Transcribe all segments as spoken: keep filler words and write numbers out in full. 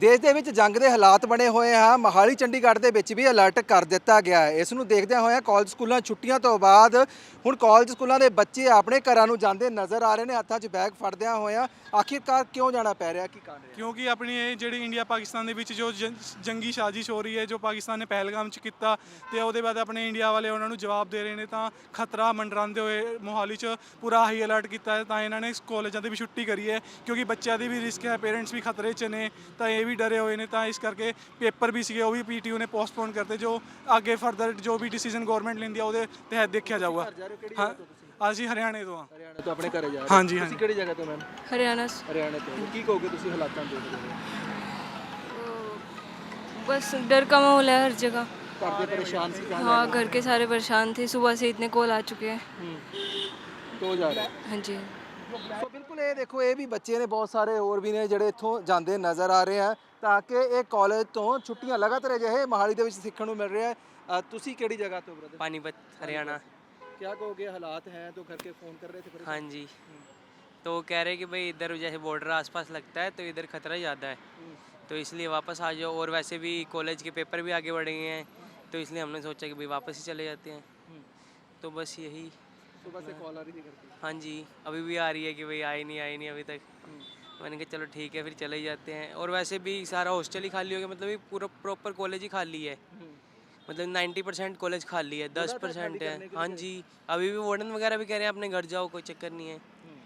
ਦੇਸ਼ ਦੇ ਵਿੱਚ ਜੰਗ ਦੇ ਹਾਲਾਤ ਬਣੇ ਹੋਏ ਆ। ਮੋਹਾਲੀ ਚੰਡੀਗੜ੍ਹ ਦੇ ਵਿੱਚ ਵੀ ਅਲਰਟ ਕਰ ਦਿੱਤਾ ਗਿਆ ਹੈ। ਇਸ ਨੂੰ ਦੇਖਦਿਆਂ ਹੋਇਆਂ ਕਾਲਜ ਸਕੂਲਾਂ ਛੁੱਟੀਆਂ ਤੋਂ ਬਾਅਦ ਹੁਣ ਕਾਲਜ ਸਕੂਲਾਂ ਦੇ ਬੱਚੇ ਆਪਣੇ ਘਰਾਂ ਨੂੰ ਜਾਂਦੇ ਨਜ਼ਰ ਆ ਰਹੇ ਨੇ, ਹੱਥਾਂ 'ਚ ਬੈਗ ਫੜਦਿਆਂ ਹੋਇਆਂ। ਆਖਿਰਕਾਰ ਕਿਉਂ ਜਾਣਾ ਪੈ ਰਿਹਾ, ਕੀ ਕਾਰਨ ਹੈ? ਕਿਉਂਕਿ ਆਪਣੀ ਇਹ ਜਿਹੜੀ ਇੰਡੀਆ ਪਾਕਿਸਤਾਨ ਦੇ ਵਿੱਚ ਜੋ ਜੰ- ਜੰਗੀ ਸਾਜ਼ਿਸ਼ ਹੋ ਰਹੀ ਹੈ, ਜੋ ਪਾਕਿਸਤਾਨ ਨੇ ਪਹਿਲਗਾਮ 'ਚ ਕੀਤਾ ਤੇ ਉਹਦੇ ਬਾਅਦ ਆਪਣੇ ਇੰਡੀਆ ਵਾਲੇ ਉਹਨਾਂ ਨੂੰ ਜਵਾਬ ਦੇ ਰਹੇ ਨੇ, ਤਾਂ ਖਤਰਾ ਮੰਡਰਾਉਂਦੇ ਹੋਏ ਮੋਹਾਲੀ 'ਚ ਪੂਰਾ ਹਾਈ ਅਲਰਟ ਕੀਤਾ ਹੈ। ਤਾਂ ਇਹਨਾਂ ਨੇ ਕਾਲਜਾਂ ਦੀ ਵੀ ਛੁੱਟੀ ਕਰੀ ਹੈ, ਕਿਉਂਕਿ ਬੱਚਿਆਂ ਦੀ ਵੀ ਰਿਸਕ ਹੈ, ਪੇਰੈਂਟਸ ਵੀ ਖਤਰੇ 'ਚ ਨੇ, ਤਾਂ ਇਹ ਵੀ ਡਰੇ ਹੋਏ ਨੇ। ਤਾਂ ਇਸ ਕਰਕੇ ਪੇਪਰ ਵੀ ਸੀਗੇ, ਉਹ ਵੀ ਪੀਟੀਯੂ ਨੇ ਪੋਸਟਪੋਨ ਕਰਤੇ। ਜੋ ਅੱਗੇ ਫਰਦਰ ਜੋ ਵੀ ਡਿਸੀਜਨ ਗਵਰਨਮੈਂਟ ਲੈਂਦੀ ਆ ਉਹਦੇ ਤਹਿਤ ਦੇਖਿਆ ਜਾਊਗਾ। ਹਾਂ, ਅਸੀਂ ਹਰਿਆਣੇ ਤੋਂ ਹਾਂ। ਹਰਿਆਣਾ ਤੋਂ ਆਪਣੇ ਘਰੇ ਜਾ ਰਹੇ ਹਾਂਜੀ ਤੁਸੀਂ ਕਿਹੜੀ ਜਗ੍ਹਾ ਤੋਂ ਮੈਮ? हरियाणा से। ਹਰਿਆਣਾ ਤੋਂ। ਕੀ ਕਹੋਗੇ ਤੁਸੀਂ ਹਾਲਾਤਾਂ ਦੇ ਬਾਰੇ? बस डर का माहौल है हर जगह। ਘਰ ਦੇ ਪਰੇਸ਼ਾਨ ਸੀ ਕਹਾਂ हाँ, घर के सारे परेशान थे, सुबह से इतने कॉल आ चुके हैं। ਤੋਂ ਜਾ ਰਹੇ? हाँ जी। ਸੋ ਬਿਲਕੁਲ ਇਹ ਦੇਖੋ, ਇਹ ਵੀ ਬੱਚੇ ਨੇ, ਬਹੁਤ ਸਾਰੇ ਹੋਰ ਵੀ ਨੇ ਜਿਹੜੇ ਇੱਥੋਂ ਜਾਂਦੇ ਨਜ਼ਰ ਆ ਰਹੇ ਆ, ਤਾਂ ਕਿ ਇਹ ਕਾਲਜ ਤੋਂ ਛੁੱਟੀਆਂ ਲਗਾਤਾਰ ਅਜਿਹੇ ਮੋਹਾਲੀ ਦੇ ਵਿੱਚ ਸਿੱਖਣ ਨੂੰ ਮਿਲ ਰਿਹਾ ਹੈ। ਅ, ਤੁਸੀਂ ਕਿਹੜੀ ਜਗ੍ਹਾ ਤੋਂ ਬ੍ਰਦਰ? पानीपत हरियाणा। क्या कहोगे, हालात हैं तो घर के फ़ोन कर रहे थे हाँ जी, तो कह रहे कि भाई इधर जैसे बॉर्डर आसपास लगता है तो इधर खतरा ज़्यादा है, तो इसलिए वापस आ जाओ। और वैसे भी कॉलेज के पेपर भी आगे बढ़ गए हैं, तो इसलिए हमने सोचा कि भाई वापस ही चले जाते हैं। तो बस यही। सुबह से कॉल आ रही थी घर की? हाँ जी, अभी भी आ रही है कि भाई आए नहीं आए नहीं अभी तक। मैंने कहा चलो ठीक है फिर चले ही जाते हैं। और वैसे भी सारा हॉस्टल ही खाली हो गया, मतलब पूरा प्रॉपर कॉलेज ही खाली है, मतलब नाइन्टी परसेंट कॉलेज खाली है, दस परसेंट है। हाँ जी, अभी भी वार्डन वगैरह भी कह रहे हैं अपने घर जाओ, कोई चक्कर नहीं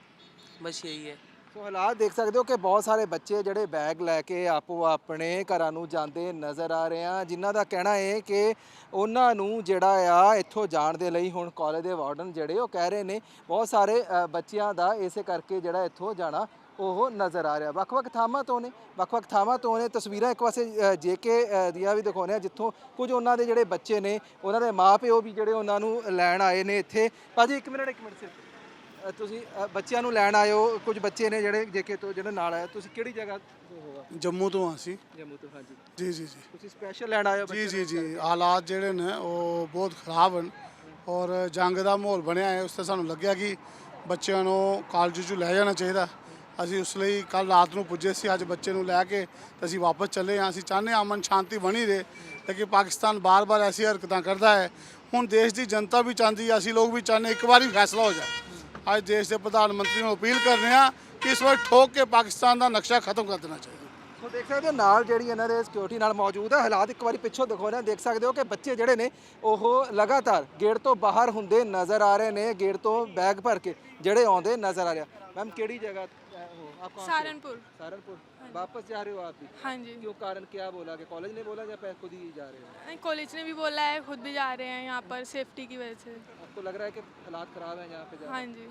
है। बस यही है। ਸੋ ਹਾਲਾਤ ਦੇਖ ਸਕਦੇ ਹੋ ਕਿ ਬਹੁਤ ਸਾਰੇ ਬੱਚੇ ਜਿਹੜੇ ਬੈਗ ਲੈ ਕੇ ਆਪੋ ਆਪਣੇ ਘਰਾਂ ਨੂੰ ਜਾਂਦੇ ਨਜ਼ਰ ਆ ਰਹੇ ਆ, ਜਿਨ੍ਹਾਂ ਦਾ ਕਹਿਣਾ ਹੈ ਕਿ ਉਹਨਾਂ ਨੂੰ ਜਿਹੜਾ ਆ ਇੱਥੋਂ ਜਾਣ ਦੇ ਲਈ ਹੁਣ ਕਾਲਜ ਦੇ ਵਾਰਡਨ ਜਿਹੜੇ ਉਹ ਕਹਿ ਰਹੇ ਨੇ, ਬਹੁਤ ਸਾਰੇ ਅ, ਬੱਚਿਆਂ ਦਾ ਇਸੇ ਕਰਕੇ ਜਿਹੜਾ ਇੱਥੋਂ ਜਾਣਾ ਉਹ ਨਜ਼ਰ ਆ ਰਿਹਾ। ਵੱਖ-ਵੱਖ ਥਾਵਾਂ ਤੋਂ ਨੇ, ਵੱਖ-ਵੱਖ ਥਾਵਾਂ ਤੋਂ ਨੇ। ਤਸਵੀਰਾਂ ਇੱਕ ਪਾਸੇ ਜੇਕੇ ਦੀਆਂ ਵੀ ਦਿਖਾਉਂਦੇ ਆ, ਜਿੱਥੋਂ ਕੁਝ ਉਹਨਾਂ ਦੇ ਜਿਹੜੇ ਬੱਚੇ ਨੇ, ਉਹਨਾਂ ਦੇ ਮਾਪਿਓ ਵੀ ਜਿਹੜੇ ਉਹਨਾਂ ਨੂੰ ਲੈਣ ਆਏ ਨੇ ਇੱਥੇ। ਭਾਜੀ ਇੱਕ ਮਿੰਟ ਇੱਕ ਮਿੰਟ ਸਿਰਫ, ਅ, ਤੁਸੀਂ ਅ, ਬੱਚਿਆਂ ਨੂੰ ਲੈਣ ਆਏ ਹੋ, ਕੁਝ ਬੱਚੇ ਨੇ ਜਿਹੜੇ ਜੇਕੇ ਤੋਂ ਜਿਹੜੇ ਨਾਲ ਆਏ। ਤੁਸੀਂ ਕਿਹੜੀ ਜਗ੍ਹਾ ਤੋਂ ਹੋਗਾ? ਜੰਮੂ ਤੋਂ ਅਸੀਂ। ਜੰਮੂ ਤੋਂ। ਹਾਂਜੀ ਜੀ ਜੀ ਜੀ ਤੁਸੀਂ ਸਪੈਸ਼ਲ ਲੈਣ ਆਏ ਹੋ? ਜੀ ਜੀ ਜੀ ਹਾਲਾਤ ਜਿਹੜੇ ਨੇ ਉਹ ਬਹੁਤ ਖਰਾਬ ਹਨ, ਔਰ ਜੰਗ ਦਾ ਮਾਹੌਲ ਬਣਿਆ ਹੈ। ਉਸ ਤੇ ਸਾਨੂੰ ਲੱਗਿਆ ਕਿ ਬੱਚਿਆਂ ਨੂੰ ਕਾਲਜ 'ਚ ਲੈ ਜਾਣਾ ਚਾਹੀਦਾ। ਅਸੀਂ ਉਸ ਲਈ ਕੱਲ ਰਾਤ ਨੂੰ ਪੁੱਜੇ ਸੀ, ਅੱਜ ਬੱਚੇ ਨੂੰ ਲੈ ਕੇ ਤੇ ਅਸੀਂ ਵਾਪਸ ਚੱਲੇ ਹਾਂ। ਅਸੀਂ ਚਾਹੁੰਦੇ ਹਾਂ ਅਮਨ ਸ਼ਾਂਤੀ ਬਣੀ ਰਹੇ, ਲੇਕਿਨ ਪਾਕਿਸਤਾਨ ਬਾਰ-ਬਾਰ ਐਸੀ ਹਰਕਤਾਂ ਕਰਦਾ ਹੈ। ਹੁਣ ਦੇਸ਼ ਦੀ ਜਨਤਾ ਵੀ ਚਾਹੁੰਦੀ ਹੈ, ਅਸੀਂ ਲੋਕ ਵੀ ਚਾਹੁੰਦੇ ਇੱਕ ਵਾਰੀ ਫੈਸਲਾ ਹੋ ਜਾਏ। ਅੱਜ ਦੇਸ਼ ਦੇ ਪ੍ਰਧਾਨ ਮੰਤਰੀ ਨੂੰ ਅਪੀਲ ਕਰ ਰਹੇ ਹਾਂ ਕਿ ਇਸ ਵਾਰ ਠੋਕ ਕੇ ਪਾਕਿਸਤਾਨ ਦਾ ਨਕਸ਼ਾ ਖਤਮ ਕਰ ਦੇਣਾ ਚਾਹੀਦਾ। ਸੋ ਦੇਖ ਸਕਦੇ ਹੋ ਨਾਲ ਜਿਹੜੀ ਇਹਨਾਂ ਦੇ ਸਿਕਿਉਰਿਟੀ ਨਾਲ ਮੌਜੂਦ ਹੈ। ਹਾਲਾਤ ਇੱਕ ਵਾਰੀ ਪਿੱਛੋਂ ਦਿਖਾਉਂਦੇ ਹਾਂ, ਦੇਖ ਸਕਦੇ ਹੋ ਕਿ ਬੱਚੇ ਜਿਹੜੇ ਨੇ ਉਹ ਲਗਾਤਾਰ ਗੇਟ ਤੋਂ ਬਾਹਰ ਹੁੰਦੇ ਨਜ਼ਰ ਆ ਰਹੇ ਨੇ, ਗੇਟ ਤੋਂ ਬੈਗ ਭਰ ਕੇ ਜਿਹੜੇ ਆਉਂਦੇ नजर आ रहा। मैम केड़ी जगह हो आप? कहाँ से? सहारनपुर। सहारनपुर। वापस जा रहे हो आप भी? हाँ जी। क्यों, कारण क्या बोला कि कॉलेज ने बोला या खुद ही जा रहे हो? नहीं, कॉलेज ने भी बोला है, खुद भी जा रहे हैं यहाँ पर सेफ्टी की वजह से। आपको लग रहा है कि हालात खराब हैं यहाँ पे जा? हाँ जी,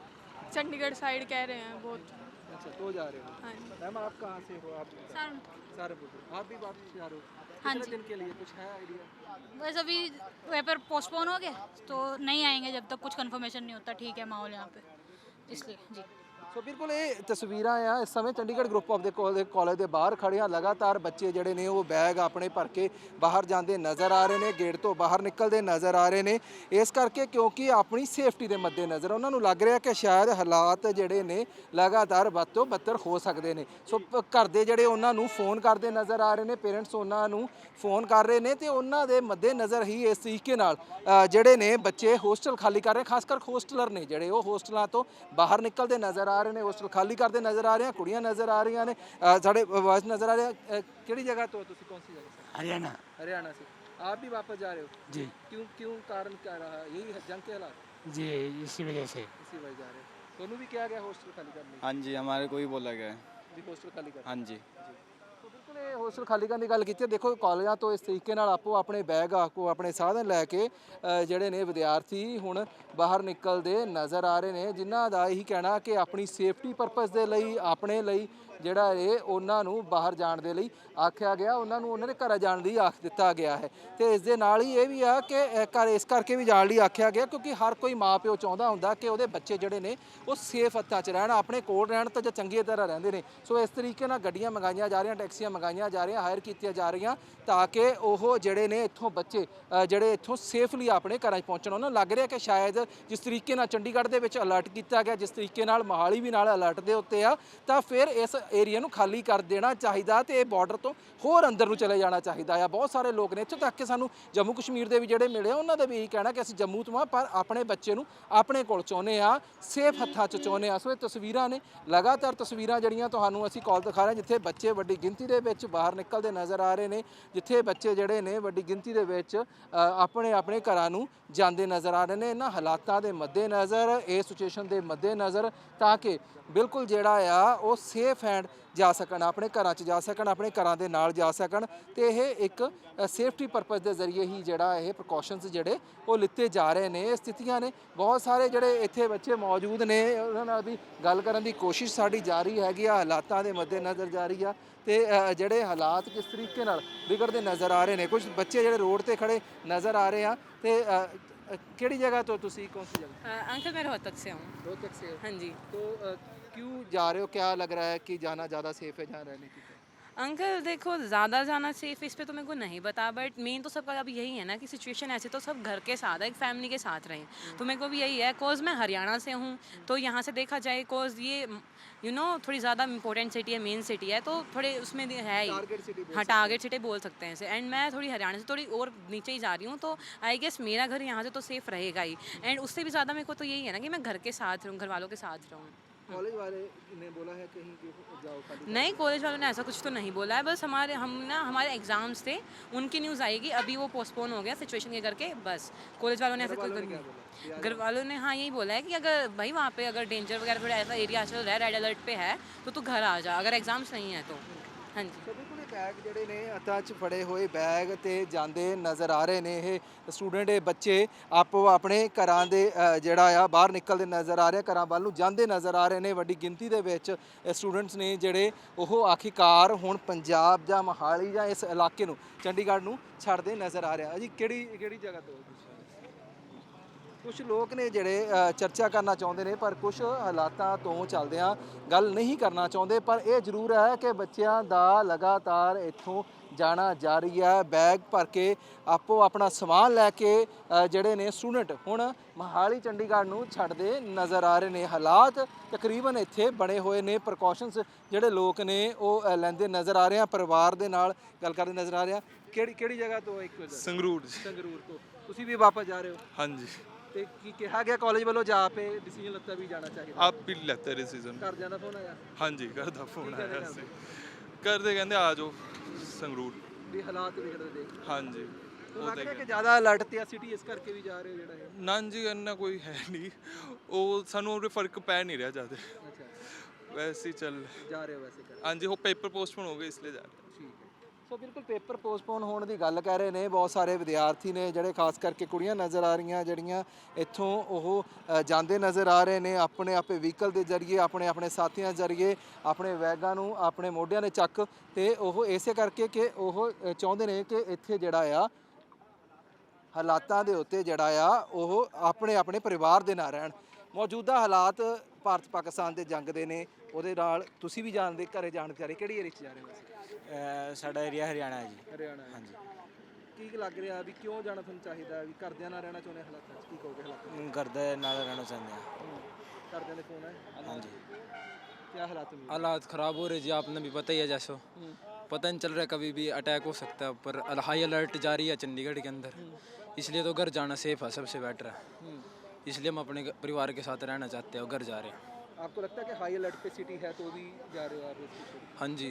चंडीगढ़ साइड कह रहे हैं बहुत। अच्छा, तो जा रहे हो? हाँ जी। मैम आप कहाँ से हो? आप सहारनपुर से। आप भी वापस जा रहे हो? हाँ कितने जी। दिन के लिए, कुछ है आइडिया? बस अभी पेपर पोस्टपोन हो गया तो नहीं आएंगे जब तक कुछ कंफर्मेशन नहीं होता। ठीक है माहौल यहाँ पे, इसलिए जी। ਸੋ ਬਿਲਕੁਲ ਇਹ ਤਸਵੀਰਾਂ ਆ ਇਸ ਸਮੇਂ ਚੰਡੀਗੜ੍ਹ ਗਰੁੱਪ ਆਫ ਦੇ ਕਾਲਜ ਦੇ ਬਾਹਰ ਖੜੀਆਂ। ਲਗਾਤਾਰ ਬੱਚੇ ਜਿਹੜੇ ਨੇ ਉਹ ਬੈਗ ਆਪਣੇ ਭਰ ਕੇ ਬਾਹਰ ਜਾਂਦੇ ਨਜ਼ਰ ਆ ਰਹੇ ਨੇ, ਗੇਟ ਤੋਂ ਬਾਹਰ ਨਿਕਲਦੇ ਨਜ਼ਰ ਆ ਰਹੇ ਨੇ। ਇਸ ਕਰਕੇ ਕਿਉਂਕਿ ਆਪਣੀ ਸੇਫਟੀ ਦੇ ਮੱਦੇ ਨਜ਼ਰ ਉਹਨਾਂ ਨੂੰ ਲੱਗ ਰਿਹਾ ਕਿ ਸ਼ਾਇਦ ਹਾਲਾਤ ਜਿਹੜੇ ਨੇ ਲਗਾਤਾਰ ਵੱਧ ਤੋਂ ਬੱਤਰ ਹੋ ਸਕਦੇ ਨੇ। ਸੋ ਪ- ਘਰ ਦੇ ਜਿਹੜੇ ਉਹਨਾਂ ਨੂੰ ਫੋਨ ਕਰਦੇ ਨਜ਼ਰ ਆ ਰਹੇ ਨੇ, ਪੇਰੈਂਟਸ ਉਹਨਾਂ ਨੂੰ ਫੋਨ ਕਰ ਰਹੇ ਨੇ, ਤੇ ਉਹਨਾਂ ਦੇ ਮੱਦੇ ਨਜ਼ਰ ਹੀ ਇਸ ਤਰੀਕੇ ਨਾਲ ਅ, ਜਿਹੜੇ ਨੇ ਬੱਚੇ ਹੋਸਟਲ ਖਾਲੀ ਕਰ ਰਹੇ, ਖਾਸ ਕਰ ਹੋਸਟਲਰ ਨੇ ਜਿਹੜੇ ਉਹ ਹੋਸਟਲਾਂ ਤੋਂ ਬਾਹਰ ਨਿਕਲਦੇ ਨਜ਼ਰ ਆ ਰਹੇ ਨੇ, ਹੋਸਟਲ ਖਾਲੀ ਕਰਦੇ ਨਜ਼ਰ ਆ ਰਹੇ ਆ, ਕੁੜੀਆਂ ਨਜ਼ਰ ਆ ਰਹੀਆਂ ਨੇ, ਅ, ਸਾਡੇ ਵਾਇਸ ਨਜ਼ਰ ਆ ਰਿਹਾ। ਅ, ਕਿਹੜੀ जगह तो हो तुसी? कौन सी जगह से? हरियाणा। हरियाणा से। आप भी वापस जा रहे हो? जी क्यों क्यों कारण क्या रहा? यही है जंग के हालात, जी इसी वजह से। इसी वजह जा रहे हो? दोनों भी क्या गया होस्टल खाली करने? हाँ जी, हमारे को ही बोला गया है। जी, होस्टल खाली कर। हाँ जी। ਸੋ ਬਿਲਕੁਲ ਇਹ ਹੋਸਟਲ ਖਾਲੀ ਕਰਨ ਦੀ ਗੱਲ ਕੀਤੀ ਹੈ। ਦੇਖੋ ਕਾਲਜਾਂ ਤੋਂ ਇਸ ਤਰੀਕੇ ਨਾਲ ਆਪੋ ਆਪਣੇ ਬੈਗ ਆਪੋ ਆਪਣੇ ਸਾਧਨ ਲੈ ਕੇ ਅ, ਜਿਹੜੇ ਨੇ ਵਿਦਿਆਰਥੀ ਹੁਣ ਬਾਹਰ ਨਿਕਲਦੇ ਨਜ਼ਰ ਆ ਰਹੇ ਨੇ, ਜਿਨ੍ਹਾਂ ਦਾ ਇਹੀ ਕਹਿਣਾ ਕਿ ਆਪਣੀ ਸੇਫਟੀ ਪਰਪਸ ਦੇ ਲਈ, ਆਪਣੇ ਲਈ ਜਿਹੜਾ ਇਹ ਉਹਨਾਂ ਨੂੰ ਬਾਹਰ ਜਾਣ ਦੇ ਲਈ ਆਖਿਆ ਗਿਆ, ਉਹਨਾਂ ਨੂੰ ਉਹਨਾਂ ਦੇ ਘਰ ਜਾਣ ਲਈ ਆਖ ਦਿੱਤਾ ਗਿਆ ਹੈ। ਤੇ ਇਸ ਦੇ ਨਾਲ ਹੀ ਇਹ ਵੀ ਆ ਕਿ ਅ, ਘਰ ਇਸ ਕਰਕੇ ਵੀ ਜਾਣ ਲਈ ਆਖਿਆ ਗਿਆ ਕਿਉਂਕਿ ਹਰ ਕੋਈ ਮਾਂ ਪਿਓ ਚਾਹੁੰਦਾ ਹੁੰਦਾ ਕਿ ਉਹਦੇ ਬੱਚੇ ਜਿਹੜੇ ਨੇ ਉਹ ਸੇਫ ਹੱਥਾਂ 'ਚ ਰਹਿਣ, ਆਪਣੇ ਕੋਲ ਰਹਿਣ ਤਾਂ ਜਾਂ ਚੰਗੀ ਤਰ੍ਹਾਂ ਰਹਿੰਦੇ ਨੇ। ਸੋ ਇਸ ਤਰੀਕੇ ਨਾਲ ਗੱਡੀਆਂ ਮੰਗਾਈਆਂ ਜਾ ਰਹੀਆਂ, ਟੈਕਸੀਆਂ ਮੰਗਾਈਆਂ ਜਾ ਰਹੀਆਂ, ਹਾਇਰ ਕੀਤੀਆਂ ਜਾ ਰਹੀਆਂ ਤਾਂ ਕਿ ਉਹ ਜਿਹੜੇ ਨੇ ਇੱਥੋਂ ਬੱਚੇ ਅ, ਜਿਹੜੇ ਇੱਥੋਂ ਸੇਫਲੀ ਆਪਣੇ ਘਰਾਂ 'ਚ ਪਹੁੰਚਣ। ਉਹਨਾਂ ਨੂੰ ਲੱਗ ਰਿਹਾ ਕਿ ਸ਼ਾਇਦ ਜਿਸ ਤਰੀਕੇ ਨਾਲ ਚੰਡੀਗੜ੍ਹ ਦੇ ਵਿੱਚ ਅਲਰਟ ਕੀਤਾ ਗਿਆ, ਜਿਸ ਤਰੀਕੇ ਨਾਲ ਮੋਹਾਲੀ ਵੀ ਨਾਲ ਅਲਰਟ ਦੇ ਉੱਤੇ ਆ, ਤਾਂ ਫਿਰ ਇਸ ਏਰੀਆ ਨੂੰ ਖਾਲੀ ਕਰ ਦੇਣਾ ਚਾਹੀਦਾ ਤੇ ਇਹ ਬਾਰਡਰ ਤੋਂ ਹੋਰ ਅੰਦਰ ਨੂੰ ਚਲੇ ਜਾਣਾ ਚਾਹੀਦਾ ਆ। ਬਹੁਤ ਸਾਰੇ ਲੋਕ ਨੇ ਇੱਥੋਂ ਤੱਕ ਕਿ ਸਾਨੂੰ ਜੰਮੂ ਕਸ਼ਮੀਰ ਦੇ ਵੀ ਜਿਹੜੇ ਮਿਲੇ ਉਹਨਾਂ ਦਾ ਵੀ ਇਹੀ ਕਹਿਣਾ ਕਿ ਅਸੀਂ ਜੰਮੂ ਤੋਂ ਆ ਪਰ ਆਪਣੇ ਬੱਚੇ ਨੂੰ ਆਪਣੇ ਕੋਲ ਚਾਹੁੰਦੇ ਆ, ਸੇਫ ਹੱਥਾਂ 'ਚ ਚਾਹੁੰਦੇ ਆ। ਸੋ ਇਹ ਤਸਵੀਰਾਂ ਨੇ, ਲਗਾਤਾਰ ਤਸਵੀਰਾਂ ਜਿਹੜੀਆਂ ਤੁਹਾਨੂੰ ਅਸੀਂ ਕਾਲ ਦਿਖਾ ਰਹੇ ਹਾਂ ਜਿੱਥੇ ਬੱਚੇ ਵੱਡੀ ਗਿਣਤੀ ਦੇ ਵਿੱਚ ਬਾਹਰ ਨਿਕਲਦੇ ਨਜ਼ਰ ਆ ਰਹੇ ਨੇ, ਜਿੱਥੇ ਬੱਚੇ ਜਿਹੜੇ ਨੇ ਵੱਡੀ ਗਿਣਤੀ ਦੇ ਵਿੱਚ ਅ, ਆਪਣੇ ਆਪਣੇ ਘਰਾਂ ਨੂੰ ਜਾਂਦੇ ਨਜ਼ਰ ਆ ਰਹੇ ਨੇ। ਇਹਨਾਂ ਹਾਲਾਤਾਂ ਦੇ ਮੱਦੇ ਨਜ਼ਰ, ਇਸ ਸਿਚੁਏਸ਼ਨ ਦੇ ਮੱਦੇ ਨਜ਼ਰ ਤਾਂ ਕਿ ਬਿਲਕੁਲ ਜਿਹੜਾ ਆ ਉਹ ਸੇਫ ਹੈਂਡ ਜਾ ਸਕਣ, ਆਪਣੇ ਘਰਾਂ 'ਚ ਜਾ ਸਕਣ, ਆਪਣੇ ਘਰਾਂ ਦੇ ਨਾਲ ਜਾ ਸਕਣ ਤੇ ਇਹ ਇੱਕ ਸੇਫਟੀ ਪਰਪਸ ਦੇ ਜ਼ਰੀਏ ਹੀ ਜਿਹੜਾ ਇਹ ਪ੍ਰੀਕਾਸ਼ਨਸ ਜਿਹੜੇ ਉਹ ਲਿੱਤੇ ਜਾ ਰਹੇ ਨੇ। ਇਹ ਸਥਿਤੀਆਂ ਨੇ, ਬਹੁਤ ਸਾਰੇ ਜਿਹੜੇ ਇੱਥੇ ਬੱਚੇ ਮੌਜੂਦ ਨੇ ਉਹਨਾਂ ਨਾਲ ਵੀ ਗੱਲ ਕਰਨ ਦੀ ਕੋਸ਼ਿਸ਼ ਸਾਡੀ ਜਾਰੀ ਹੈਗੀ ਆ, ਹਾਲਾਤਾਂ ਦੇ ਮੱਦੇ ਨਜ਼ਰ ਜਾਰੀ ਆ ਤੇ ਅ, ਜਿਹੜੇ ਹਾਲਾਤ ਕਿਸ ਤਰੀਕੇ ਨਾਲ ਵਿਗੜਦੇ ਨਜ਼ਰ ਆ ਰਹੇ ਨੇ। ਕੁਝ ਬੱਚੇ ਜਿਹੜੇ ਰੋਡ ਤੇ ਖੜੇ ਨਜ਼ਰ ਆ ਰਹੇ ਆ ਤੇ ਅ, ਅ, ਕਿਹੜੀ जगह तो तुसी कौन सी जगह? अंकल मैं रोहतक से हूँ। रोहतक से हो? हाँ जी। तो अ, क्यों जा रहे हो? क्या लग रहा है कि जाना ज़्यादा सेफ है जहाँ रहने की? अंकल देखो ज़्यादा जाना सेफ इस पे तो मेरे को नहीं पता, बट मेन तो सबका अब यही है ना कि सिचुएशन ऐसी तो सब घर के साथ है, एक फैमिली के साथ रहें। तो मेरे को भी यही है, कोज़ मैं हरियाणा से हूँ तो यहाँ से देखा जाए कोज़ ये यू नो थोड़ी ज़्यादा इंपॉर्टेंट सिटी है, मेन सिटी है, तो थोड़े उसमें है ही, हाँ टारगेट सिटी बोल सकते हैं इसे। एंड मैं थोड़ी हरियाणा से थोड़ी और नीचे ही जा रही हूँ, तो आई गेस मेरा घर यहाँ से तो सेफ़ रहेगा ही। एंड उससे भी ज़्यादा मेरे को तो यही है ना कि मैं घर के साथ रहूँ, घर वालों के साथ रहूँ। कॉलेज वाले ने बोला है कहीं कि जाओ खाली? नहीं, कॉलेज वालों ने ऐसा कुछ तो नहीं बोला है, बस हमारे हम ना हमारे एग्ज़ाम्स थे उनकी न्यूज़ आएगी, अभी वो पोस्टपोन हो गया सिचुएशन के करके, बस कॉलेज वालों ने ऐसा कोई क्या बोला? घर वालों ने हाँ यही बोला है कि अगर भाई वहाँ पे अगर डेंजर वगैरह थोड़ा ऐसा एरिया चल रहा है, रेड अलर्ट पे है, तो तू घर आ जा अगर एग्ज़ाम्स नहीं है तो। हाँ जी। ਸੋ ਬਿਲਕੁਲ ਇਹ ਬੈਗ ਜਿਹੜੇ ਨੇ ਹੱਥਾਂ 'ਚ ਫੜੇ ਹੋਏ ਬੈਗ ਤੇ ਜਾਂਦੇ ਨਜ਼ਰ ਆ ਰਹੇ ਨੇ। ਇਹ ਸਟੂਡੈਂਟ, ਇਹ ਬੱਚੇ ਆਪੋ ਆਪਣੇ ਘਰਾਂ ਦੇ ਅ, ਜਿਹੜਾ ਆ ਬਾਹਰ ਨਿਕਲਦੇ ਨਜ਼ਰ ਆ ਰਹੇ, ਘਰਾਂ ਵੱਲ ਨੂੰ ਜਾਂਦੇ ਨਜ਼ਰ ਆ ਰਹੇ ਨੇ। ਵੱਡੀ ਗਿਣਤੀ ਦੇ ਵਿੱਚ ਸਟੂਡੈਂਟਸ ਨੇ ਜਿਹੜੇ ਉਹ ਆਖਿਰਕਾਰ ਹੁਣ ਪੰਜਾਬ ਜਾਂ ਮੋਹਾਲੀ ਜਾਂ ਇਸ ਇਲਾਕੇ ਨੂੰ, ਚੰਡੀਗੜ੍ਹ ਨੂੰ ਛੱਡਦੇ ਨਜ਼ਰ ਆ ਰਿਹਾ। ਜੀ ਕਿਹੜੀ ਕਿਹੜੀ ਜਗ੍ਹਾ ਤੋਂ? ਕੁਝ ਲੋਕ ਨੇ ਜਿਹੜੇ ਅ, ਚਰਚਾ ਕਰਨਾ ਚਾਹੁੰਦੇ ਨੇ ਪਰ ਕੁਝ ਹਾਲਾਤਾਂ ਤੋਂ ਚੱਲਦਿਆਂ ਗੱਲ ਨਹੀਂ ਕਰਨਾ ਚਾਹੁੰਦੇ। ਪਰ ਇਹ ਜ਼ਰੂਰ ਹੈ ਕਿ ਬੱਚਿਆਂ ਦਾ ਲਗਾਤਾਰ ਇੱਥੋਂ ਜਾਣਾ ਜਾਰੀ ਹੈ। ਬੈਗ ਭਰ ਕੇ ਆਪੋ ਆਪਣਾ ਸਮਾਨ ਲੈ ਕੇ ਅ, ਜਿਹੜੇ ਨੇ ਸਟੂਡੈਂਟ ਹੁਣ ਮੋਹਾਲੀ ਚੰਡੀਗੜ੍ਹ ਨੂੰ ਛੱਡਦੇ ਨਜ਼ਰ ਆ ਰਹੇ ਨੇ। ਹਾਲਾਤ ਤਕਰੀਬਨ ਇੱਥੇ ਬਣੇ ਹੋਏ ਨੇ, ਪ੍ਰੀਕਾਸ਼ਨਸ ਜਿਹੜੇ ਲੋਕ ਨੇ ਉਹ ਅ, ਲੈਂਦੇ ਨਜ਼ਰ ਆ ਰਹੇ ਆ, ਪਰਿਵਾਰ ਦੇ ਨਾਲ ਗੱਲ ਕਰਦੇ ਨਜ਼ਰ ਆ ਰਹੇ ਆ। ਕਿਹੜੀ ਕਿਹੜੀ ਜਗ੍ਹਾ ਤੋਂ? ਇੱਕ संगरूर ਸੰਗਰੂਰ ਤੋਂ। ਤੁਸੀਂ ਵੀ ਵਾਪਸ ਜਾ ਰਹੇ ਹੋ? हाँ जी। ਤੇ ਕੀ ਕਿਹਾ ਗਿਆ ਕਾਲਜ ਵੱਲੋਂ ਜਾ ਪੇ ਡਿਸੀਜਨ ਲੱਤਾ ਵੀ ਜਾਣਾ ਚਾਹੀਦਾ? आप भी लेते हैं डिसीजन? ਘਰਦਿਆਂ ਦਾ ਫੋਨ ਆਇਆ हाँ जी, घर दा फोन ਕੀ ਕਹਿੰਦੇ आया ਘਰਦੇ? सी करदे कहंदे आ जाओ संगरूर। ਵੀ ਹਾਲਾਤ ਵਿਗੜਦੇ ਦੇਖ हाँ जी। ਤੁਹਾਨੂੰ ਲੱਗ ਰਿਹਾ ਕਿ ਜ਼ਿਆਦਾ ਅਲਰਟ ਤੇ ਆ ਸਿਟੀ ਇਸ ਕਰਕੇ ਵੀ ਜਾ ਰਹੇ ਹੋ ਜਿਹੜਾ ਇਹ? ना जी, इन्ना कोई है नहीं, वो सानू उरे फर्क पै नहीं रहा ज़्यादा, ਅੱਛਾ वैसे ही चल। ਜਾ ਰਹੇ ਹੋ ਵੈਸੇ ਕਰ? हाँ जी, वो पेपर पोस्टपोन हो गए इसलिए जा रहे हैं। ਠੀਕ ਹੈ। ਸੋ ਬਿਲਕੁਲ ਪੇਪਰ ਪੋਸਟਪੋਨ ਹੋਣ ਦੀ ਗੱਲ ਕਹਿ ਰਹੇ ਨੇ। ਬਹੁਤ ਸਾਰੇ ਵਿਦਿਆਰਥੀ ਨੇ ਜਿਹੜੇ ਖਾਸ ਕਰਕੇ ਕੁੜੀਆਂ ਨਜ਼ਰ ਆ ਰਹੀਆਂ ਜਿਹੜੀਆਂ ਇੱਥੋਂ ਉਹ ਅ, ਜਾਂਦੇ ਨਜ਼ਰ ਆ ਰਹੇ ਨੇ ਆਪਣੇ ਆਪੇ ਵਹੀਕਲ ਦੇ ਜ਼ਰੀਏ, ਆਪਣੇ ਆਪਣੇ ਸਾਥੀਆਂ ਜ਼ਰੀਏ, ਆਪਣੇ ਬੈਗਾਂ ਨੂੰ ਆਪਣੇ ਮੋਢਿਆਂ ਦੇ ਚੱਕ ਤੇ ਉਹ ਇਸੇ ਕਰਕੇ ਕਿ ਉਹ ਅ, ਚਾਹੁੰਦੇ ਨੇ ਕਿ ਇੱਥੇ ਜਿਹੜਾ ਆ ਹਾਲਾਤਾਂ ਦੇ ਉੱਤੇ ਜਿਹੜਾ ਆ ਉਹ ਆਪਣੇ ਆਪਣੇ ਪਰਿਵਾਰ ਦੇ ਨਾਲ ਰਹਿਣ। ਮੌਜੂਦਾ ਹਾਲਾਤ ਭਾਰਤ ਪਾਕਿਸਤਾਨ ਦੇ ਜੰਗ ਦੇ ਨੇ, ਉਹਦੇ ਨਾਲ ਤੁਸੀਂ ਵੀ ਜਾਣਦੇ, ਘਰੇ ਜਾਣ ਵਿਚਾਰੇ ਕਿਹੜੀ ਏਰੀਆ 'ਚ ਜਾ ਰਹੇ ਹੋ? ਸਾਡਾ ਏਰੀਆ ਹਰਿਆਣਾ ਹੈ ਜੀ। ਹਰਿਆਣਾ ਹਾਂਜੀ। ਕੀ ਲੱਗ ਰਿਹਾ ਵੀ ਕਿਉਂ ਜਾਣਾ ਤੁਹਾਨੂੰ ਚਾਹੀਦਾ, ਵੀ ਘਰਦਿਆਂ ਨਾਲ ਰਹਿਣਾ ਚਾਹੁੰਦੇ ਹਾਲਾਤਾਂ 'ਚ? ਕੀ ਕਹੋਗੇ ਹਾਲਾਤਾਂ? घर दे नाल रहना चाहते हैं। ਘਰਦਿਆਂ ਦੇ ਫੋਨ ਹੈ? हाँ जी। ਕੀ ਹਾਲਾਤ ਹੋਏ? हालात ख़राब हो रहे जी, आपने भी पता ही है जैसो, पता नहीं चल रहा कभी भी अटैक हो सकता है, पर हाई अलर्ट जारी है चंडीगढ़ के अंदर, इसलिए तो घर जाना सेफ है, सबसे बेटर है, इसलिए हम अपने परिवार के साथ रहना चाहते हैं और घर जा रहे हैं। आपको लगता है कि हाई अलर्ट पे सिटी है तो भी जा रहे हो आप? हाँ जी,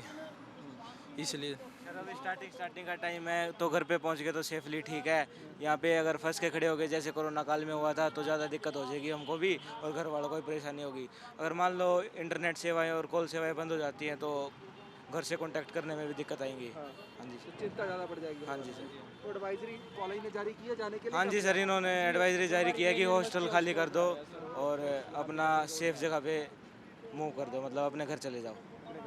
इसलिए सर अभी स्टार्टिंग स्टार्टिंग का टाइम है तो घर पे पहुंच गए तो सेफली ठीक है। यहाँ पे अगर फंस के खड़े हो गए जैसे कोरोना काल में हुआ था तो ज़्यादा दिक्कत हो जाएगी हमको भी और घर वालों को भी परेशानी होगी। अगर मान लो इंटरनेट सेवाएं और कॉल सेवाएं बंद हो जाती हैं तो घर से कांटेक्ट करने में भी दिक्कत आएंगी। हाँ जी। तो चिंता ज़्यादा बढ़ जाएगी? हाँ जी सर। तो एडवाइजरी कॉलेज ने जारी की है जाने के लिए? हाँ जी सर, इन्होंने एडवाइजरी जारी की है कि हॉस्टल खाली कर दो और अपना सेफ जगह पे मूव कर दो, मतलब अपने घर चले जाओ।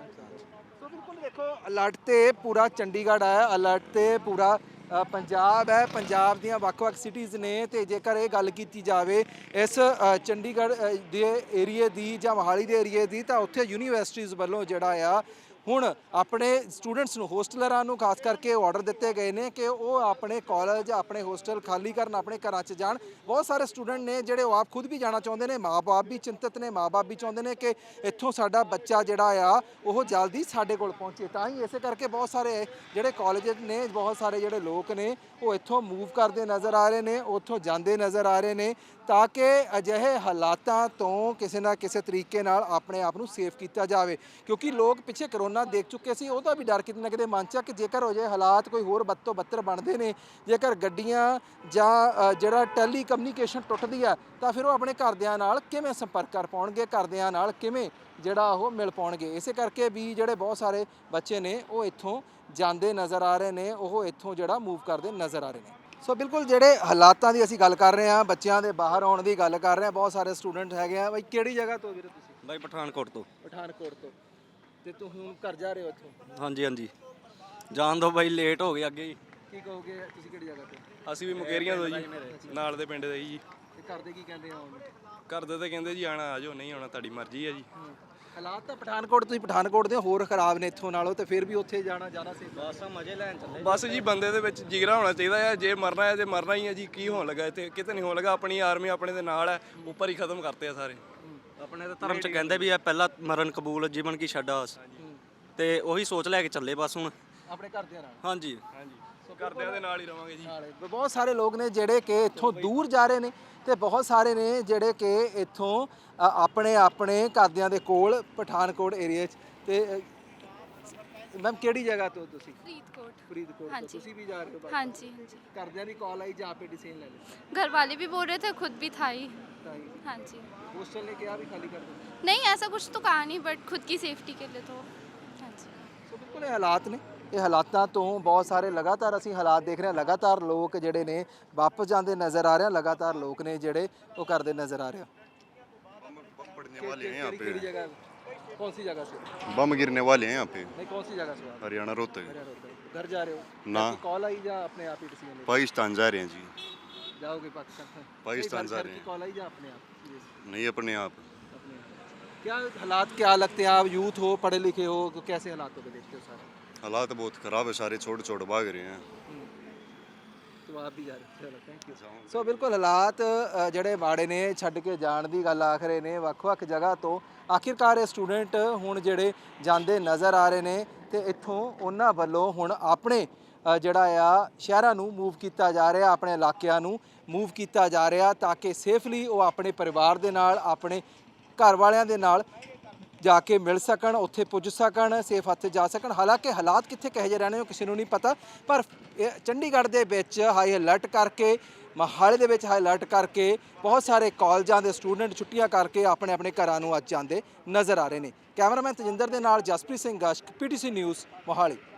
ਸੋ ਬਿਲਕੁਲ ਦੇਖੋ ਅਲਰਟ ਤੇ ਪੂਰਾ ਚੰਡੀਗੜ੍ਹ ਹੈ, ਅਲਰਟ ਤੇ ਪੂਰਾ ਅ, ਪੰਜਾਬ ਹੈ, ਪੰਜਾਬ ਦੀਆਂ ਵੱਖ-ਵੱਖ ਸਿਟੀਜ਼ ਨੇ। ਤੇ ਜੇਕਰ ਇਹ ਗੱਲ ਕੀਤੀ ਜਾਵੇ ਇਸ ਅ, ਚੰਡੀਗੜ੍ਹ ਅ, ਦੇ ਏਰੀਏ ਦੀ ਜਾਂ ਮੋਹਾਲੀ ਦੇ ਏਰੀਏ ਦੀ ਤਾਂ ਉੱਥੇ ਯੂਨੀਵਰਸਿਟੀਜ਼ ਵੱਲੋਂ ਜਿਹੜਾ ਆ ਹੁਣ ਆਪਣੇ ਸਟੂਡੈਂਟਸ ਨੂੰ ਹੋਸਟਲਰਾਂ ਨੂੰ ਖਾਸ ਕਰਕੇ ਆਰਡਰ ਦਿੱਤੇ ਗਏ ਨੇ ਕਿ ਉਹ ਆਪਣੇ ਕਾਲਜ ਆਪਣੇ ਹੋਸਟਲ ਖਾਲੀ ਕਰਨ ਆਪਣੇ ਘਰਾਂ 'ਚ ਜਾਣ। ਬਹੁਤ ਸਾਰੇ ਸਟੂਡੈਂਟ ਨੇ ਜਿਹੜੇ ਉਹ ਆਪ ਖੁਦ ਵੀ ਜਾਣਾ ਚਾਹੁੰਦੇ ਨੇ, ਮਾਂ-ਬਾਪ ਵੀ ਚਿੰਤਤ ਨੇ, ਮਾਂ-ਬਾਪ ਵੀ ਚਾਹੁੰਦੇ ਨੇ ਕਿ ਇੱਥੋਂ ਸਾਡਾ ਬੱਚਾ ਜਿਹੜਾ ਆ ਉਹ ਜਲਦੀ ਸਾਡੇ ਕੋਲ ਪਹੁੰਚੇ। ਤਾਂ ਹੀ ਇਸੇ ਕਰਕੇ ਬਹੁਤ ਸਾਰੇ ਜਿਹੜੇ ਕਾਲਜ ਨੇ, ਬਹੁਤ ਸਾਰੇ ਜਿਹੜੇ ਲੋਕ ਨੇ ਉਹ ਇੱਥੋਂ ਮੂਵ ਕਰਦੇ ਨਜ਼ਰ ਆ ਰਹੇ ਨੇ, ਉੱਥੋਂ ਜਾਂਦੇ ਨਜ਼ਰ ਆ ਰਹੇ ਨੇ ਤਾਂ ਕਿ ਅਜਿਹੇ ਹਾਲਾਤਾਂ ਤੋਂ ਕਿਸੇ ਨਾ ਕਿਸੇ ਤਰੀਕੇ ਨਾਲ ਆਪਣੇ ਆਪ ਨੂੰ ਸੇਫ ਕੀਤਾ ਜਾਵੇ। ਕਿਉਂਕਿ ਲੋਕ ਪਿੱਛੇ ਕਰੋਨਾ ਦੇਖ ਚੁੱਕੇ ਸੀ, ਉਹਦਾ ਵੀ ਡਰ ਕਿਤੇ ਨਾ ਕਿਤੇ ਮਨ 'ਚ ਆ ਕਿ ਜੇਕਰ ਹੋ ਜਾਏ ਹਾਲਾਤ ਕੋਈ ਹੋਰ ਬਦ ਤੋਂ ਬੱਤਰ ਬਣਦੇ ਨੇ, ਜੇਕਰ ਗੱਡੀਆਂ ਜਾਂ ਅ, ਜਿਹੜਾ ਟੈਲੀ ਕਮਿਊਨੀਕੇਸ਼ਨ ਟੁੱਟਦੀ ਆ ਤਾਂ ਫਿਰ ਉਹ ਆਪਣੇ ਘਰਦਿਆਂ ਨਾਲ ਕਿਵੇਂ ਸੰਪਰਕ ਕਰ ਪਾਉਣਗੇ, ਘਰਦਿਆਂ ਨਾਲ ਕਿਵੇਂ ਜਿਹੜਾ ਉਹ ਮਿਲ ਪਾਉਣਗੇ। ਇਸੇ ਕਰਕੇ ਵੀ ਜਿਹੜੇ ਬਹੁਤ ਸਾਰੇ ਬੱਚੇ ਨੇ ਉਹ ਇੱਥੋਂ ਜਾਂਦੇ ਨਜ਼ਰ ਆ ਰਹੇ ਨੇ, ਉਹ ਇੱਥੋਂ ਜਿਹੜਾ ਮੂਵ ਕਰਦੇ ਨਜ਼ਰ ਆ ਰਹੇ ਨੇ। ਸੋ ਬਿਲਕੁਲ ਜਿਹੜੇ ਹਾਲਾਤਾਂ ਦੀ ਅਸੀਂ ਗੱਲ ਕਰ ਰਹੇ ਹਾਂ, ਬੱਚਿਆਂ ਦੇ ਬਾਹਰ ਆਉਣ ਦੀ ਗੱਲ ਕਰ ਰਹੇ ਹਾਂ, ਬਹੁਤ ਸਾਰੇ ਸਟੂਡੈਂਟ ਹੈਗੇ ਆ। ਬਾਈ ਕਿਹੜੀ ਜਗ੍ਹਾ ਤੋਂ ਵੀਰੇ ਤੁਸੀਂ? ਬਾਈ ਪਠਾਨਕੋਟ ਤੋਂ। ਪਠਾਨਕੋਟ ਤੋਂ। ਤੇ ਤੂੰ ਹੁਣ ਘਰ ਜਾ ਰਹੇ ਹੋ ਇੱਥੋਂ? ਹਾਂਜੀ ਹਾਂਜੀ ਜਾਣ ਦੋ ਬਾਈ, ਲੇਟ ਹੋ ਗਏ ਅੱਗੇ ਜੀ। ਕੀ ਕਹੋਗੇ, ਤੁਸੀਂ ਕਿਹੜੀ ਜਗ੍ਹਾ ਤੋਂ? ਅਸੀਂ ਵੀ ਮੁਕੇਰੀਆਂ ਤੋਂ ਜੀ, ਨਾਲ ਦੇ ਪਿੰਡ ਦੇ ਜੀ। ਤੇ ਘਰ ਦੇ ਕੀ ਕਹਿੰਦੇ ਆ? ਘਰ ਦੇ ਤਾਂ ਕਹਿੰਦੇ ਜੀ ਆਣਾ ਆ ਜਾਓ, ਨਹੀਂ ਆਉਣਾ ਤੁਹਾਡੀ ਮਰਜ਼ੀ ਹੈ ਜੀ। ਹਾਲਾਤ ਤਾਂ ਪਠਾਨਕੋਟ ਤੁਸੀਂ ਪਠਾਨਕੋਟ ਦੇ ਹੋਰ ਖਰਾਬ ਨੇ ਇੱਥੋਂ ਨਾਲੋਂ, ਤੇ ਫਿਰ ਵੀ ਉੱਥੇ ਜਾਣਾ ਜਾਣਾ ਸੀ। ਬਸ ਮਜ਼ੇ ਲੈਣ ਚੱਲੇ। ਬਸ ਜੀ ਬੰਦੇ ਦੇ ਵਿੱਚ ਜਿਗਰਾ ਹੋਣਾ ਚਾਹੀਦਾ ਹੈ, ਜੇ ਮਰਨਾ ਹੈ ਤੇ ਮਰਨਾ ਹੀ ਹੈ ਜੀ। ਕੀ ਹੋਣ ਲੱਗਾ ਇੱਥੇ? ਕਿਤੇ ਨਹੀਂ ਹੋਣ ਲੱਗਾ। ਆਪਣੀ ਆਰਮੀ ਆਪਣੇ ਦੇ ਨਾਲ ਹੈ, ਉੱਪਰ ਹੀ ਖਤਮ ਕਰਤੇ ਆ ਸਾਰੇ। ਆਪਣੇ ਤਾਂ ਧਰਮ ਚ ਕਹਿੰਦੇ ਵੀ ਇਹ ਪਹਿਲਾ ਮਰਨ ਕਬੂਲ ਜੀਵਨ ਕੀ ਛੱਡ ਆਸ, ਤੇ ਉਹੀ ਸੋਚ ਲੈ ਕੇ ਚੱਲੇ ਬਸ ਹੁਣ ਆਪਣੇ ਘਰਦਿਆਂ ਨਾਲ। ਹਾਂਜੀ ਹਾਂਜੀ, ਘਰਦਿਆਂ ਦੇ ਨਾਲ ਹੀ ਰਵਾਂਗੇ ਜੀ। ਬਹੁਤ ਸਾਰੇ ਲੋਕ ਨੇ ਜਿਹੜੇ ਕਿ ਇੱਥੋਂ ਦੂਰ ਜਾ ਰਹੇ ਨੇ ਤੇ ਬਹੁਤ ਸਾਰੇ ਨੇ ਜਿਹੜੇ ਕਿ ਇੱਥੋਂ ਅ, ਆਪਣੇ ਆਪਣੇ ਘਰਦਿਆਂ ਦੇ ਕੋਲ ਪਠਾਨਕੋਟ ਏਰੀਆ 'ਚ। ਤੇ ਮੈਮ ਕਿਹੜੀ ਜਗ੍ਹਾ ਤੋਂ ਤੁਸੀਂ? फरीदकोट। ਫਰੀਦਕੋਟ हाँ ਤੋਂ। जी। ਤੁਸੀਂ ਵੀ ਜਾ ਰਹੇ ਹੋ? हाँ जी हाँ जी। ਘਰਦਿਆਂ ਦੀ ਕਾਲ ਆਈ ਜਾਂ ਆਪੇ ਡਿਸੀਜਨ ਲੈ ਲਿਆ? घर वाले भी बोल रहे थे, खुद भी था ही। ਤਾਂ ਹੀ हाँ जी। ਹੋਸਟਲ ਨੇ ਕਿਹਾ ਵੀ ਖਾਲੀ ਕਰ ਦਿਓ। नहीं ऐसा कुछ तो कहा नहीं, बट खुद की सेफ्टी के लिए तो हाँ जी। ਸੋ ਬਿਲਕੁਲ ਇਹ ਹਾਲਾਤ ਨੇ। ਇਹ ਹਾਲਾਤਾਂ ਤੋਂ ਬਹੁਤ ਸਾਰੇ ਲਗਾਤਾਰ ਅਸੀਂ ਹਾਲਾਤ ਦੇਖ ਰਹੇ ਹਾਂ, ਲਗਾਤਾਰ ਲੋਕ ਜਿਹੜੇ ਨੇ ਵਾਪਸ ਜਾਂਦੇ ਨਜ਼ਰ ਆ ਰਹੇ ਆ, ਲਗਾਤਾਰ ਲੋਕ ਨੇ ਜਿਹੜੇ ਉਹ ਕਰਦੇ ਨਜ਼ਰ ਆ ਰਹੇ ਆ। पड़ने वाले हैं यहाँ पे। ਕਿਹੜੀ ਜਗ੍ਹਾ? कौन सी जगह से? बम गिरने वाले हैं यहाँ पे। नहीं, कौन सी जगह से? आप हरियाणा रोहतक। घर जा रहे हो? ना। कॉल आई या अपने आप ही डिसीजन ले? पाकिस्तान जा रहे हैं जी। जाओगे पाकिस्तान? पाकिस्तान जा रहे हैं। कॉल आई या अपने आप? नहीं अपने आप। अपने आप। क्या हालात क्या लगते हैं? आप यूथ हो, पढ़े लिखे हो, तो कैसे हालातों को देखते हो सारे? हालात बहुत ख़राब है, सारे छोड़ छोड़ भाग रहे हैं। तो आप भी जा रहे हो? चलो थैंक यू। ਸੋ ਬਿਲਕੁਲ ਹਾਲਾਤ ਅ, ਜਿਹੜੇ ਮਾੜੇ ਨੇ, ਛੱਡ ਕੇ ਜਾਣ ਦੀ ਗੱਲ ਆਖ ਰਹੇ ਨੇ ਵੱਖ-ਵੱਖ ਜਗ੍ਹਾ ਤੋਂ। ਆਖਿਰਕਾਰ ਇਹ ਸਟੂਡੈਂਟ ਹੁਣ ਜਿਹੜੇ ਜਾਂਦੇ ਨਜ਼ਰ ਆ ਰਹੇ ਨੇ ਤੇ ਇੱਥੋਂ ਉਹਨਾਂ ਵੱਲੋਂ ਹੁਣ ਆਪਣੇ ਅ, ਜਿਹੜਾ ਆ ਸ਼ਹਿਰਾਂ ਨੂੰ ਮੂਵ ਕੀਤਾ ਜਾ ਰਿਹਾ, ਆਪਣੇ ਇਲਾਕਿਆਂ ਨੂੰ ਮੂਵ ਕੀਤਾ ਜਾ ਰਿਹਾ ਤਾਂ ਕਿ ਸੇਫਲੀ ਉਹ ਆਪਣੇ ਪਰਿਵਾਰ ਦੇ ਨਾਲ, ਆਪਣੇ ਘਰ ਵਾਲਿਆਂ ਦੇ ਨਾਲ ਜਾ ਕੇ ਮਿਲ ਸਕਣ, ਉੱਥੇ ਪੁੱਜ ਸਕਣ, ਸੇਫ ਹੱਥ ਜਾ ਸਕਣ। ਹਾਲਾਂਕਿ ਹਾਲਾਤ ਕਿੱਥੇ ਕਹੇ ਜਿਹੇ ਰਹਿਣੇ ਉਹ ਕਿਸੇ ਨੂੰ ਨਹੀਂ ਪਤਾ, ਪਰ ਇਹ ਚੰਡੀਗੜ੍ਹ ਦੇ ਵਿੱਚ ਹਾਈ ਅਲਰਟ ਕਰਕੇ, ਮੋਹਾਲੀ ਦੇ ਵਿੱਚ ਹਾਈ ਅਲਰਟ ਕਰਕੇ ਬਹੁਤ ਸਾਰੇ ਕਾਲਜਾਂ ਦੇ ਸਟੂਡੈਂਟ ਛੁੱਟੀਆਂ ਕਰਕੇ ਆਪਣੇ ਆਪਣੇ ਘਰਾਂ ਨੂੰ ਅੱਜ ਜਾਂਦੇ ਨਜ਼ਰ ਆ ਰਹੇ ਨੇ। ਕੈਮਰਾਮੈਨ ਤਜਿੰਦਰ ਦੇ ਨਾਲ ਜਸਪ੍ਰੀਤ ਸਿੰਘ ਗਸ਼ਕ, ਪੀਟੀਸੀ ਨਿਊਜ਼, ਮੋਹਾਲੀ।